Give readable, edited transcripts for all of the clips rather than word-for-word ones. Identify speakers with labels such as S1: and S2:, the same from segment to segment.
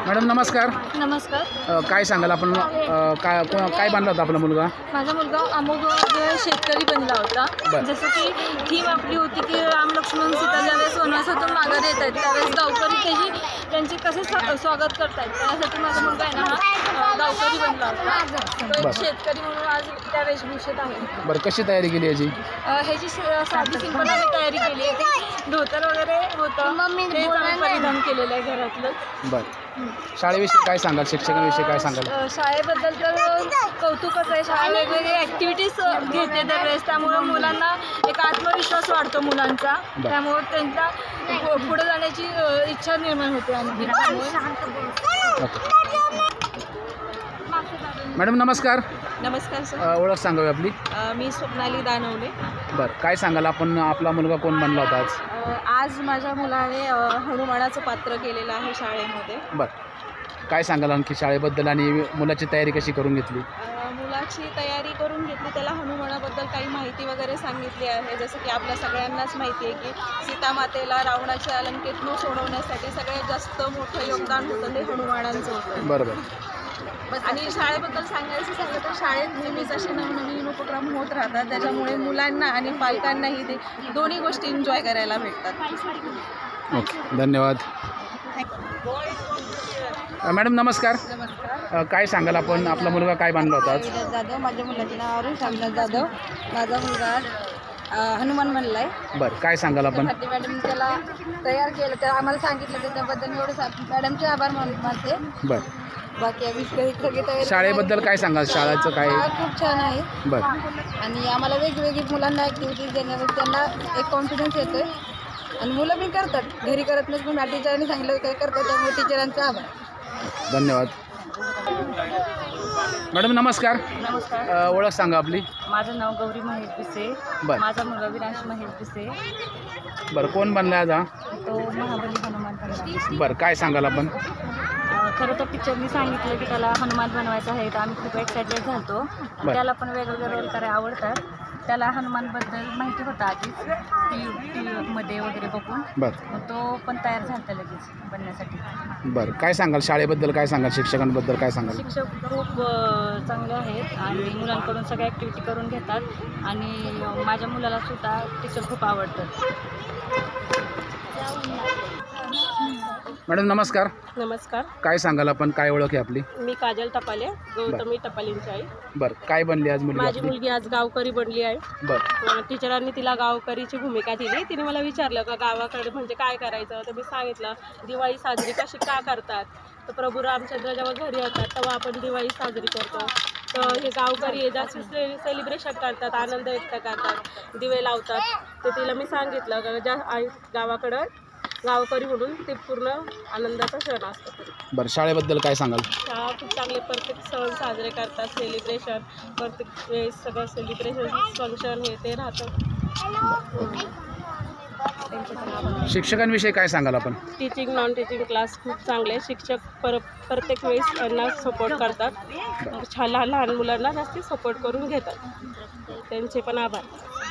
S1: Madam नमस्कार.
S2: नमस्कार.
S1: काय सांगाल आपण काय बनला होता आपला मुलगा?
S2: माझा मुलगा अमोघ शेतकरी बनला होता. जसं की थीम आपली होती की राम लक्ष्मण सीता ज्यावेळेस वनवासातून माघारी येत आहेत त्यावेळेस गावकरी त्यांचे कसे स्वागत करतात त्यासाठी माझा मुलगा आहे ना हा गावकरी बनला होता. तो एक शेतकरी म्हणून आज त्या वेशभूषेत आहे.
S1: बरं, कशी तयारी केली याची?
S2: ह्याची साधी सिंपल आम्ही तयारी केली आहे. धोतर वगैरे होतं ते आम्ही परिधान केलेलं आहे घरातलं.
S1: बरं, शाळेविषयी काय सांगाल, शिक्षकांविषयी काय सांगाल?
S2: शाळेबद्दल तर कौतुकच आहे. शाळा वेगवेगळे ॲक्टिव्हिटीज घेते दरवेळेस, त्यामुळे मुलांना एक आत्मविश्वास वाढतो मुलांचा. त्यामुळे त्यांचा पुढे जाण्याची इच्छा निर्माण होते. आणखी
S1: मॅडम नमस्कार.
S2: नमस्कार सर.
S1: ओळख सांगावी आपली.
S2: मी स्वप्नाली दानवले.
S1: बरं, काय सांगाल आपण आपला मुलगा कोण बनला होता आज?
S2: आज माझ्या मुलाने हनुमानाचं पात्र केलेलं आहे शाळेमध्ये.
S1: बरं, काय सांगाल आणखी शाळेबद्दल आणि मुलाची तयारी कशी करून घेतली?
S2: मुलाची तयारी करून घेतली. त्याला हनुमानाबद्दल काही माहिती वगैरे सांगितली आहे. जसं की आपल्या सगळ्यांनाच माहिती आहे की सीतामातेला रावणाच्या लंकेतून सोडवण्यासाठी सगळ्यात जास्त मोठं योगदान होतं ते हनुमानांचं होतं.
S1: बरोबर.
S2: आणि शाळेबद्दल सांगायचं झालं तर शाळेत नेहमीच असे नवनवीन उपक्रम होत राहतात. त्याच्यामुळे मुलांना आणि पालकांनाही ते दोन्ही गोष्टी एन्जॉय करायला भेटतात.
S1: ओके, धन्यवाद. मॅडम नमस्कार.
S2: नमस्कार.
S1: काय सांगाल आपण आपला मुलगा काय बनला होता आज?
S2: जाधव. माझ्या मुलाचे नाव अरुण शामनाथ जाधव. माझा मुलगा हनुमान बनला आहे.
S1: बरं, काय सांगाल आपण?
S2: मॅडम त्याला तयार केलं तर आम्हाला सांगितलं त्याच्याबद्दल मी एवढं मॅडमचे आभार मानते.
S1: बरं,
S2: बाकी आम्ही सगळी तयारी.
S1: शाळेबद्दल काय सांगाल? शाळेचं काय?
S2: खूप छान आहे.
S1: बरं.
S2: आणि आम्हाला वेगवेगळी मुलांना ॲक्टिव्हिटीज देण्यावर त्यांना एक कॉन्फिडन्स येतोय आणि मुलं पण करतात. घरी करत नाही पण टीचरांनी सांगितलं काय करतात, त्यामुळे टीचरांचा आभार.
S1: धन्यवाद. मॅडम नमस्कार.
S2: नमस्कार.
S1: ओळख सांगा आपली.
S2: माझं नाव गौरी महेश पिसे.
S1: बरं.
S2: माझा मुलगा विनाश महेश पिसे.
S1: बरं, कोण बनला आज हा?
S2: तो महाबली हनुमान बनला.
S1: बरं, काय सांगाल आपण?
S2: खरं तर टीचरनी सांगितलं की त्याला हनुमान बनवायचं आहे तर आम्ही खूप एक्सायटेड झालो. त्याला पण वेगवेगळे रोल करायला आवडतात. त्याला हनुमानबद्दल माहिती होतं आधीच टी व्हीमध्ये वगैरे बघून.
S1: बरं.
S2: मग तो पण तयार झाला लगेच बनण्यासाठी.
S1: बरं, काय सांगाल शाळेबद्दल, काय सांगाल शिक्षकांबद्दल, काय सांगाल?
S2: शिक्षक खूप चांगले आहेत आणि मुलांकडून सगळ्या ॲक्टिव्हिटी करून घेतात आणि माझ्या मुलाला सुद्धा टीचर खूप आवडतात.
S1: मॅडम नमस्कार.
S2: नमस्कार.
S1: काय सांगाल आपण, काय ओळख आहे आपली?
S2: मी काजल टपाले, गौतमी टपालेंची आई.
S1: बरं, काय बनली आज मुलगी
S2: माझी
S1: आपली?
S2: मुलगी आज गावकरी बनली आहे.
S1: बरं.
S2: टीचरांनी तिला गावकरीची भूमिका दिली. तिने मला विचारलं का गावाकडे म्हणजे काय करायचं, तर मी सांगितलं दिवाळी साजरी कशी का करतात. तर प्रभू रामचंद्र जेव्हा घरी येतात तेव्हा आपण दिवाळी साजरी करतो. तर हे गावकरी जास्त सेलिब्रेशन करतात, आनंद व्यक्त करतात, दिवे लावतात. तर तिला मी सांगितलं का ज्या गावाकडं गावकरी म्हणून ते पूर्ण आनंदाचा क्षण असतो.
S1: बरं, शाळेबद्दल काय सांगाल?
S2: शाळा खूप चांगले प्रत्येक सण साजरे करतात, सेलिब्रेशन प्रत्येक वेळेस सगळं सेलिब्रेशन फंक्शन हे ते राहतं.
S1: शिक्षकांविषयी काय सांगाल आपण?
S2: टीचिंग नॉन टीचिंग क्लास खूप चांगले. शिक्षक प्रत्येक वेळेस त्यांना सपोर्ट करतात. लहान लहान मुलांना जास्ती सपोर्ट करून घेतात. त्यांचे पण आभार.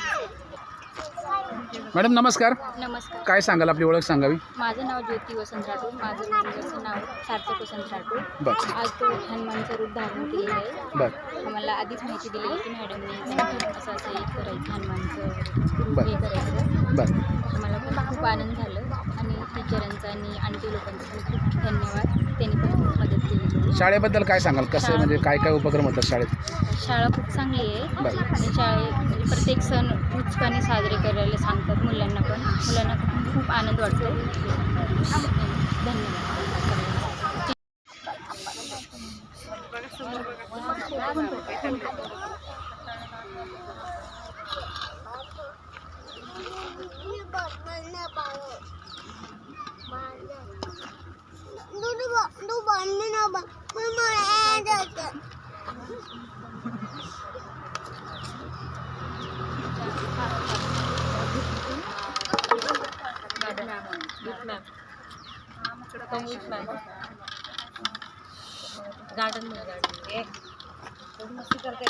S1: मॅडम नमस्कार.
S2: नमस्कार.
S1: काय सांगाल, आपली ओळख सांगावी.
S2: माझं नाव ज्योती वसंत राठोड. माझं मुलाचं नाव सार्थक वसंत राठोड.
S1: बरं.
S2: आज तो हनुमानचं रूप धारण केलेलं आहे.
S1: बरं.
S2: आम्हाला आधीच माहिती दिली होती मॅडमने असं एक करायचं हनुमानचं
S1: बरं.
S2: हे करायचं.
S1: बरं.
S2: मला पण खूप आनंद झालं आणि टीचरांचा आणि आंटी लोकांचा पण खूप धन्यवाद. त्यांनी पण खूप मदत केली.
S1: शाळेबद्दल काय सांगाल, कसं म्हणजे काय काय उपक्रम होतात शाळेत?
S2: शाळा खूप चांगली आहे.
S1: बरं.
S2: आणि म्हणजे प्रत्येक सण उत्साहाने साजरे करायला सांगतात मुलांना पण. मुलांना पण खूप आनंद वाटतो. धन्यवाद. गार्डन मस्ती करते.